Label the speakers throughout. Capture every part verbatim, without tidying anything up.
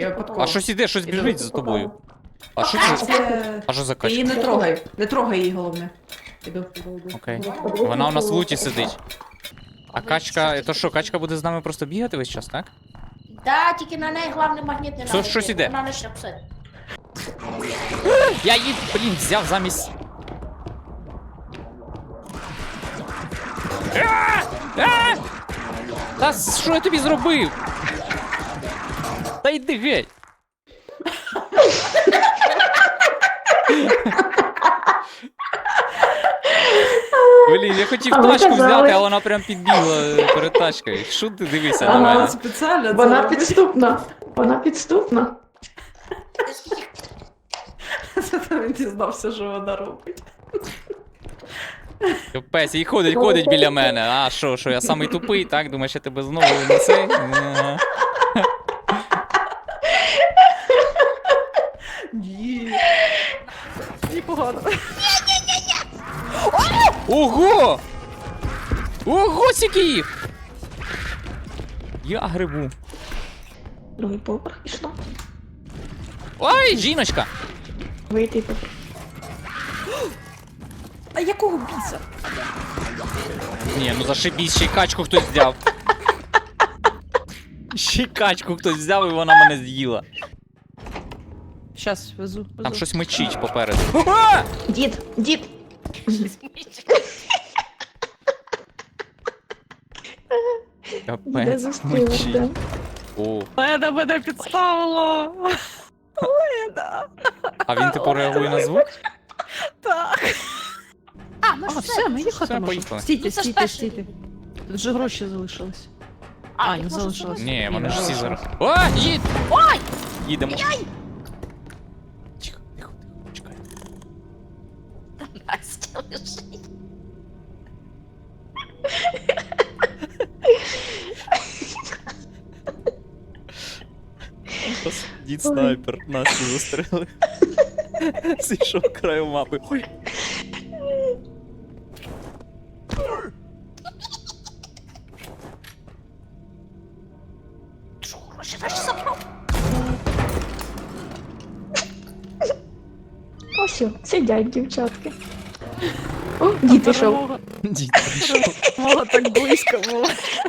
Speaker 1: Я
Speaker 2: А
Speaker 1: випадково.
Speaker 2: щось іде, щось біжить за тобою. А що це?
Speaker 1: Це...
Speaker 2: А що за
Speaker 1: Ти її
Speaker 2: качка?
Speaker 1: не трогай. Не трогай її, головне. Іду.
Speaker 2: Окей. Вона у нас в луті сидить. А качка, то що, качка буде з нами просто бігати весь час, так?
Speaker 3: Да, тільки на неї головне магніт не
Speaker 2: Що-
Speaker 3: надо.
Speaker 2: щось іде.
Speaker 3: Вона не шапсить.
Speaker 2: Я її, блін, взяв замість. А! А! Та що я тобі зробив? Та йди геть. Блін, я хотів
Speaker 4: А ви
Speaker 2: тачку
Speaker 4: казали.
Speaker 2: взяти, а вона прям підбігла перед тачкою. Що ти дивишся на
Speaker 4: Ага.
Speaker 2: мене?
Speaker 1: Спеціально це
Speaker 4: Вона
Speaker 1: робить.
Speaker 4: підступна. Вона підступна.
Speaker 1: Це він дізнався, що вона робить.
Speaker 2: Капець, і ходить, ходить біля мене. А що, що я самий тупий, так? Думаєш, я тебе знову не цей? Ага.
Speaker 1: Ні. Непогано.
Speaker 2: Ого! Ого, скільки їх! Я грибу.
Speaker 4: Другий поверх пішло.
Speaker 2: Ой, жіночка!
Speaker 4: Вийти поверх.
Speaker 1: А якого біса?
Speaker 2: Ні, ну зашибісь, ще й качку хтось взяв. Ще й качку хтось взяв і вона мене з'їла.
Speaker 1: Щас, везу. везу.
Speaker 2: Там щось мечить попереду. А!
Speaker 4: Дід, дід. Де
Speaker 2: Капець,
Speaker 4: зустрілись,
Speaker 2: мечить.
Speaker 4: да?
Speaker 2: О,
Speaker 1: Леда мене підставила. Леда.
Speaker 2: а він типу реагує на звук?
Speaker 1: Так.
Speaker 3: А, ну
Speaker 1: А,
Speaker 3: ж
Speaker 1: все, ми їхати
Speaker 2: Все,
Speaker 1: можемо.
Speaker 2: поїхали.
Speaker 1: Стійте,
Speaker 3: Ну, це ж
Speaker 1: стійте,
Speaker 3: перший.
Speaker 1: стійте. Тут же гроші залишились.
Speaker 3: А,
Speaker 1: А,
Speaker 3: їх
Speaker 1: не
Speaker 3: може
Speaker 1: залишилось.
Speaker 3: зробити?
Speaker 2: Ні, вони ж всі зараз.
Speaker 1: Ой!
Speaker 2: О, їдь!
Speaker 3: Ой!
Speaker 2: Їдемо. Тихо, тихо, тихо, чекай.
Speaker 3: Настя лежить.
Speaker 2: Дід снайпер, Настю застрелив. Зійшов краю мапи. Ой.
Speaker 3: Що, гроші наші забрав?
Speaker 4: Ось, о, сидять дівчатки. О, дід пішов.
Speaker 1: Перемога.
Speaker 2: Дід прийшов.
Speaker 1: Перемога так близько була.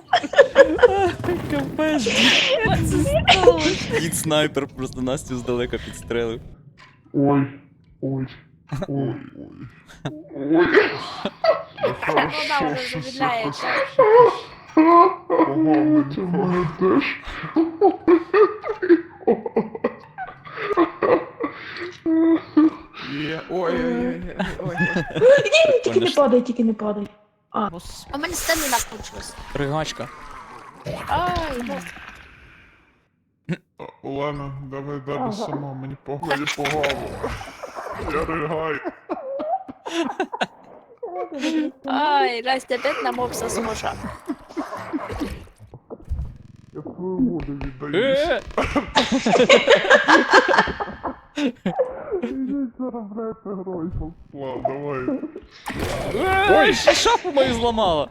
Speaker 2: Капець,
Speaker 1: Як це сталося?
Speaker 2: дід снайпер просто Настю здалека підстрелив.
Speaker 5: Ой, ой, ой, ой. Ой.
Speaker 3: Та вона вже замідляється.
Speaker 5: Погано, це в мене теж. Є, ой, ой, ой, ой.
Speaker 4: Ні, тільки не падай, тільки не падай. А,
Speaker 3: А в мене стаміна кончилась.
Speaker 2: Ригачка.
Speaker 3: Ай, ну.
Speaker 5: Олена, давай далі сама, мені погано, мені погано. Я ригаю.
Speaker 3: Ай, Настя, бідна мопса зможе.
Speaker 5: Я свою воду віддаюсь.
Speaker 2: Е!
Speaker 5: Ідіть заробляйте гроші. Слав, давай.
Speaker 2: Ой, ще шапу мою зламала.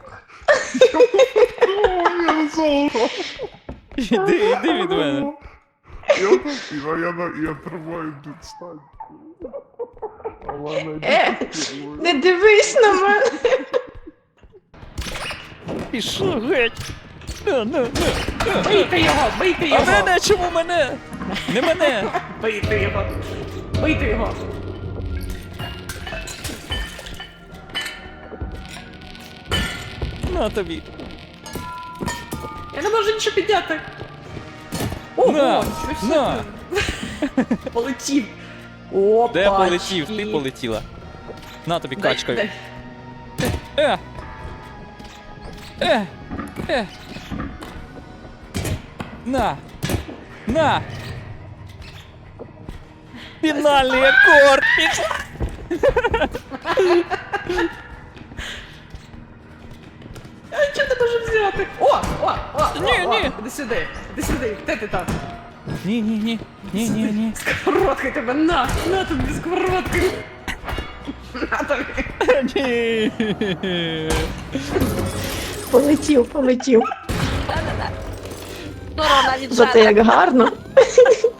Speaker 5: Ой, я не золото.
Speaker 2: Іди, іди від мене.
Speaker 5: Я тут, я, я, я тримаю тут стань. Олена,
Speaker 4: Е,
Speaker 5: йди.
Speaker 4: не дивись на мене.
Speaker 2: Пішов геть. На, на, на.
Speaker 1: Бийте його, бийте
Speaker 2: А
Speaker 1: його.
Speaker 2: мене, чому мене? Не мене.
Speaker 1: Бийте його. Бийте його.
Speaker 2: На тобі.
Speaker 1: Я не можу нічого підняти. Ого,
Speaker 2: На,
Speaker 1: щось
Speaker 2: на.
Speaker 1: таке. Полетів. Опа.
Speaker 2: Де полетів? Ти полетіла. На тобі качкою. Е! Е! Е! На! На! Фінальний акорд! Пішла!
Speaker 1: Я нічого не можу взяти. О, о, о.
Speaker 2: Ні,
Speaker 1: о, о.
Speaker 2: ні.
Speaker 1: Іди сюди. Іди сюди. Де ти там?
Speaker 2: Ні, ні, ні. Ні, ні, ні.
Speaker 1: Сковородкой тебе на. На тобі сковородкою. На тобі.
Speaker 2: Ні.
Speaker 4: Полетів, полетів.
Speaker 3: Корона від
Speaker 4: Зате
Speaker 3: жара.
Speaker 4: як гарно.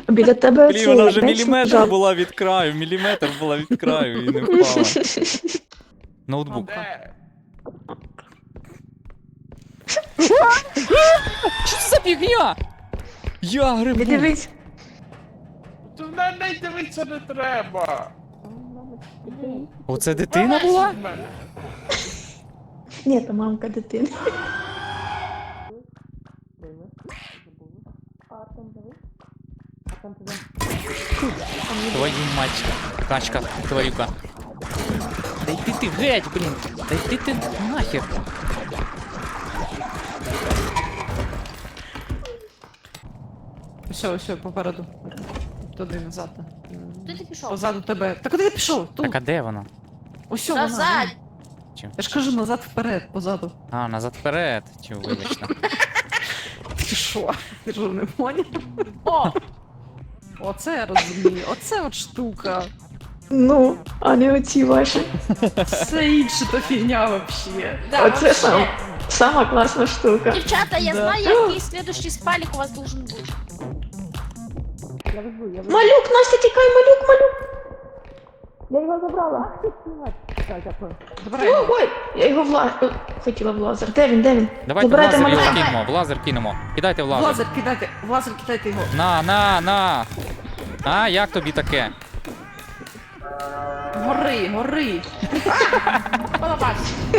Speaker 4: Біля тебе
Speaker 2: Блін, вона вже
Speaker 4: цей
Speaker 2: міліметр
Speaker 4: жаб.
Speaker 2: була від краю, міліметр була від краю і не впала. Ноутбук. Що це за фігня? Я грибу.
Speaker 4: Не дивись.
Speaker 5: То на неї дивитися не треба.
Speaker 2: Оце дитина була?
Speaker 4: Ні, то мамка дитини.
Speaker 2: Твою мать. Качка, твоюка. Да йди ти геть, блін. Да йди ти нахер.
Speaker 1: Все, все, попереду. Туди назад.
Speaker 3: Куди ти пішов?
Speaker 1: Позаду тебе. Та куди ти пішов? Тут.
Speaker 2: Так а де вона?
Speaker 1: Ось вона.
Speaker 3: Назад!
Speaker 2: Чи?
Speaker 1: Я ж кажу назад вперед, позаду.
Speaker 2: А, назад вперед. Чи вибачте.
Speaker 1: Ти що? Ти що не поняв?
Speaker 3: О!
Speaker 1: Оце я розумію. Оце от штука.
Speaker 4: Ну, а не оці ваші.
Speaker 1: Все інше то фігня вообще.
Speaker 3: Да,
Speaker 4: Оце
Speaker 3: вообще.
Speaker 4: сам, сама класна штука.
Speaker 3: Дівчата, я
Speaker 1: Да.
Speaker 3: знаю, який следующий спалік у вас должен бути.
Speaker 4: Малюк, Настя, тікай, малюк, малюк. Я його забрала.
Speaker 1: Так, дякую. Забирай його.
Speaker 4: Ой, я його в лазер. Хотіла в лазер. Де він, де він?
Speaker 2: Давайте в
Speaker 4: Забирайте
Speaker 2: лазер його
Speaker 4: малюка.
Speaker 2: кинемо, в лазер кинемо. Кидайте в
Speaker 1: В
Speaker 2: лазер.
Speaker 1: лазер кидайте, в лазер кидайте його.
Speaker 2: На, на, на. А, як тобі таке?
Speaker 1: Гори, гори.
Speaker 3: Полабаш.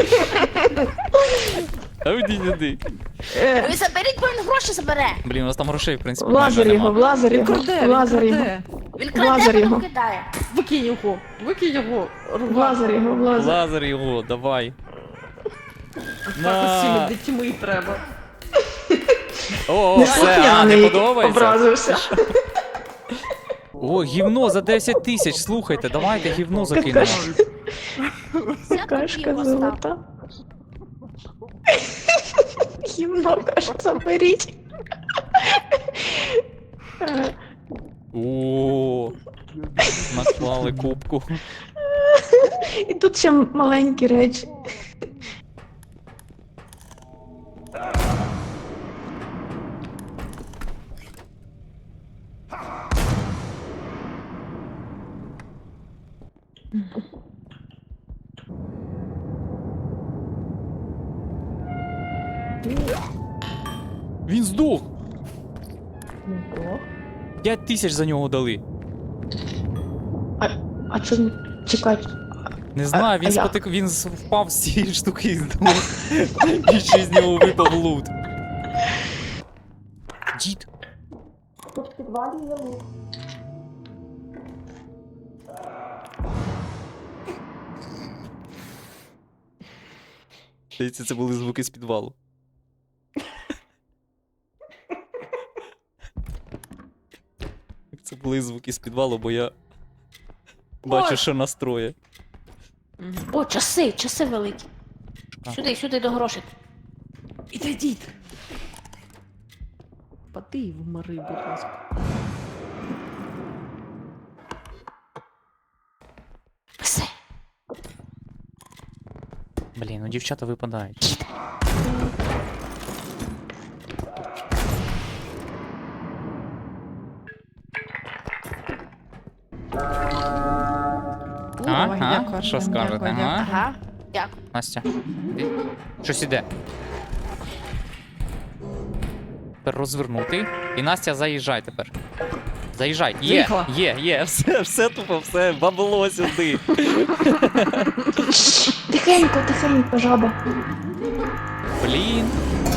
Speaker 2: А іди сюди.
Speaker 4: Е,
Speaker 3: Ви заберіть, бо він гроші забере.
Speaker 2: Блін, у нас там грошей, в принципі,
Speaker 4: в лазер
Speaker 2: майже
Speaker 4: його, в
Speaker 2: нема.
Speaker 4: лазер
Speaker 1: Він
Speaker 4: його,
Speaker 1: краде,
Speaker 4: в
Speaker 1: він
Speaker 4: лазер його.
Speaker 1: краде.
Speaker 3: Він
Speaker 4: Лазер
Speaker 3: краде,
Speaker 4: його.
Speaker 3: потім кидає.
Speaker 1: Викинь його, викинь його.
Speaker 4: В лазер його, в
Speaker 2: В
Speaker 4: лазер.
Speaker 2: лазер його, давай.
Speaker 1: Так усіми
Speaker 2: На.
Speaker 1: дітьми треба.
Speaker 2: О,
Speaker 4: Не
Speaker 2: все, а, не
Speaker 4: слухняний,
Speaker 2: подобається?
Speaker 4: образився.
Speaker 2: О, гівно за десять тисяч, слухайте, давайте гівно закинемо.
Speaker 4: Какашка,
Speaker 3: Вся
Speaker 4: какашка
Speaker 3: тобі постав.
Speaker 4: золота. Гімно, каже, заберіть. Е,
Speaker 2: О, наклали кубку.
Speaker 4: І тут ще маленькі речі.
Speaker 2: Він здох. П'ять тисяч за нього дали.
Speaker 4: А, а чому? Чекай.
Speaker 2: Не знаю, він
Speaker 4: а як?
Speaker 2: спотик, він з- впав з цієї штуки і здох. І ще з нього випав лут. Дід. Здається, це були звуки з підвалу. Це були звуки з підвалу, бо я бачу,
Speaker 3: Ой.
Speaker 2: що настроє.
Speaker 3: О, часи, часи великі.
Speaker 2: А.
Speaker 3: Сюди, сюди до грошей.
Speaker 1: Іди, дід. Пади в мори, будь ласка.
Speaker 3: Все.
Speaker 2: Блін, ну дівчата випадають.
Speaker 1: Давай,
Speaker 2: Ага,
Speaker 1: дякую,
Speaker 2: що
Speaker 1: Артем,
Speaker 2: скажете,
Speaker 1: дякую,
Speaker 2: ага?
Speaker 1: дякую.
Speaker 3: Ага. Дякую.
Speaker 2: Настя, іди. Щось іде. Тепер розвернути. І Настя, заїжджай тепер. Заїжджай. Є,
Speaker 1: Заїхала.
Speaker 2: є, є, все, все тупо, все, бабло сюди.
Speaker 4: Тихенько, тихенько, жаба.
Speaker 2: Блін.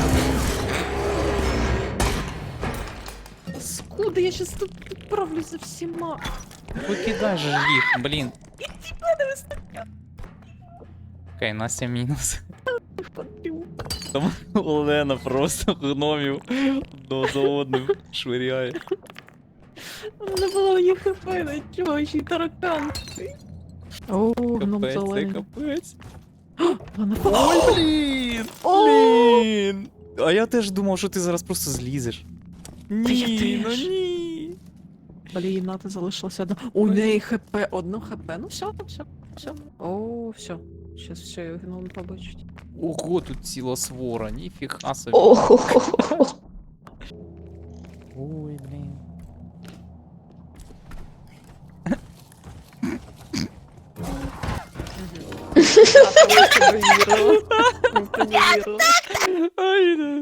Speaker 1: Скуда, я щас тут відправлюся всіма.
Speaker 2: Викидай же ж їх, блін. Окей, Настя мінус. Там Олена просто гномів одного за одним швиряє.
Speaker 1: Не було ні хп, нічого, ще й таракан. О, гном
Speaker 2: Капець, це
Speaker 1: зелений.
Speaker 2: капець.
Speaker 1: Вона
Speaker 2: Ой, блін! Блін! А я теж думав, що ти зараз просто злізеш.
Speaker 1: я
Speaker 2: Ні, ну
Speaker 1: теж.
Speaker 2: ні.
Speaker 1: Блін, Ната залишилася одна. У неї хп, одно хп. Ну все, все, все. О, все. Щас все, гном побачить.
Speaker 2: Ого, тут ціла свора, ніфіга собі.
Speaker 4: Ого.
Speaker 2: Ой, блін.
Speaker 1: Ми повірили. Ми повірили.
Speaker 2: Ай, да.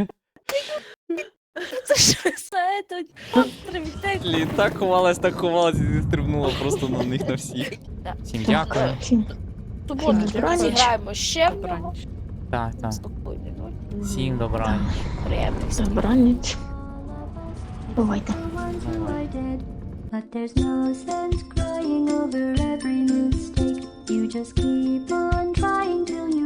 Speaker 3: Це що за этот острів? Де?
Speaker 2: Блін, так ховалась, так ховалась і стрибнула просто на них на всіх.
Speaker 3: Да.
Speaker 2: Всім дякую.
Speaker 4: Всім
Speaker 3: Суботу
Speaker 4: Добраніч.
Speaker 3: зіграємо ще в нього.
Speaker 1: Добраніч.
Speaker 2: Так, так.
Speaker 3: Спокійно, ну,
Speaker 2: Всім добраніч.
Speaker 3: приємних снів.
Speaker 4: добраніч. Бувайте.
Speaker 6: But there's no sense crying over every mistake. You just keep on trying till you